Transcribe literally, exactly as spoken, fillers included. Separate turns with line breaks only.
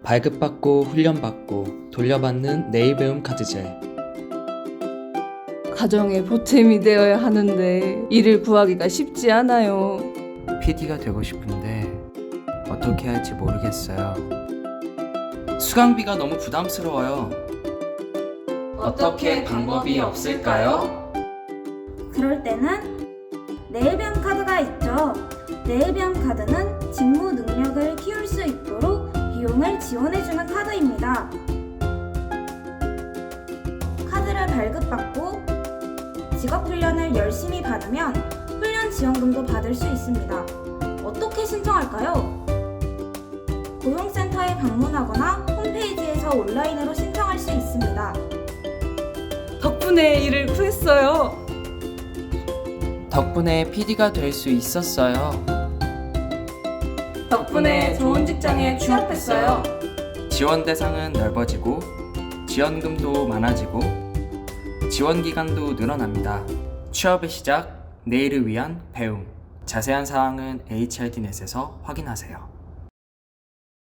발급받고 훈련받고 돌려받는 내일 배움 카드제.
가정의 보탬이 되어야 하는데 일을 구하기가 쉽지 않아요.
피디가 되고 싶은데 어떻게 할지 모르겠어요.
수강비가 너무 부담스러워요. 어떻게 방법이 없을까요?
그럴 때는 내일배움 카드가 있죠. 내일배움 카드는 직무 능력을 키울 수 있도록 비용을 지원해주는 카드입니다. 카드를 발급받고 직업훈련을 열심히 받으면 훈련 지원금도 받을 수 있습니다. 어떻게 신청할까요? 고용센터에 방문하거나 홈페이지에서 온라인으로 신청할 수 있습니다.
덕분에 일을 구했어요.
덕분에 피디가 될 수 있었어요.
덕분에 좋은 직장에 취업했어요.
지원 대상은 넓어지고 지원금도 많아지고 지원 기간도 늘어납니다. 취업의 시작, 내일을 위한 배움. 자세한 사항은 에이치알디넷에서 확인하세요.